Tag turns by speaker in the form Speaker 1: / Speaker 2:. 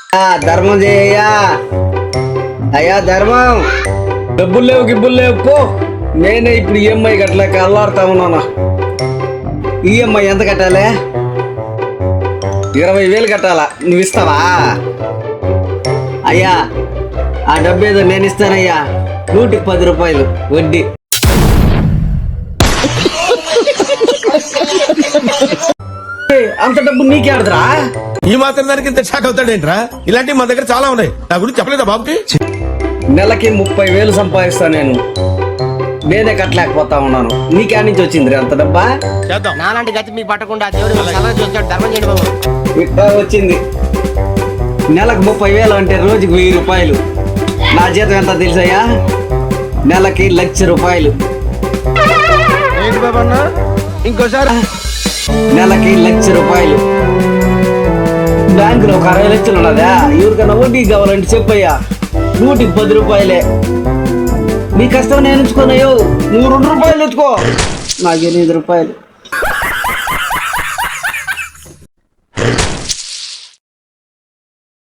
Speaker 1: ధర్మం చేయయ్యా. అయ్యా ధర్మం. డబ్బులు లేవు గిబ్బులు లేవు పో. నేనే ఇప్పుడు ఈఎంఐ కట్టలేక అల్లాడుతా ఉన్నానా. ఈఎంఐ ఎంత కట్టాలి? 20,000 కట్టాలా? నువ్వు ఇస్తావా? అయ్యా ఆ డబ్బు ఏదో నేను ఇస్తానయ్యా. 110 రూపాయలు వడ్డీ. అంత డబ్బు నీకే ఆడదురా?
Speaker 2: ఈ మాత్రం దానికి ఇంత షాక్ అవుతాడేంట్రా? ఇలాంటివి మన దగ్గర చాలా ఉన్నాయి. నా గురించి చెప్పలేదా బాబుకి?
Speaker 1: నెలకి 30,000 సంపాదిస్తా నేను. నేనే కట్టలేకపోతా ఉన్నాను. నీకే నుంచి వచ్చింది అంత డబ్బా?
Speaker 3: నాలాంటి గతి మీకు పట్టకుండా దేవుడు సలహా చూస్తాడు. ధర్మం చేయండి బాబు.
Speaker 1: ఇట్లా వచ్చింది. నెలకు 30,000 అంటే రోజుకి 1000 రూపాయలు. నా జీతం ఎంత తెలుసయ్యా? నెలకి 1,00,000 రూపాయలు.
Speaker 3: ఏంటి బాబు అన్న? ఇంకోసారి
Speaker 1: నెలకి 1,00,000 రూపాయలు. బ్యాంకులో ఒక 60 లక్షలు ఉన్నదా? ఎవరికైనా వడ్డీ కావాలంటే చెప్పయ్యా. 110 రూపాయలే. నీ కష్టం నేను ఎంచుకున్నాయో. నువ్వు 2 రూపాయలు ఎత్తుకో. నాకు 8 రూపాయలు.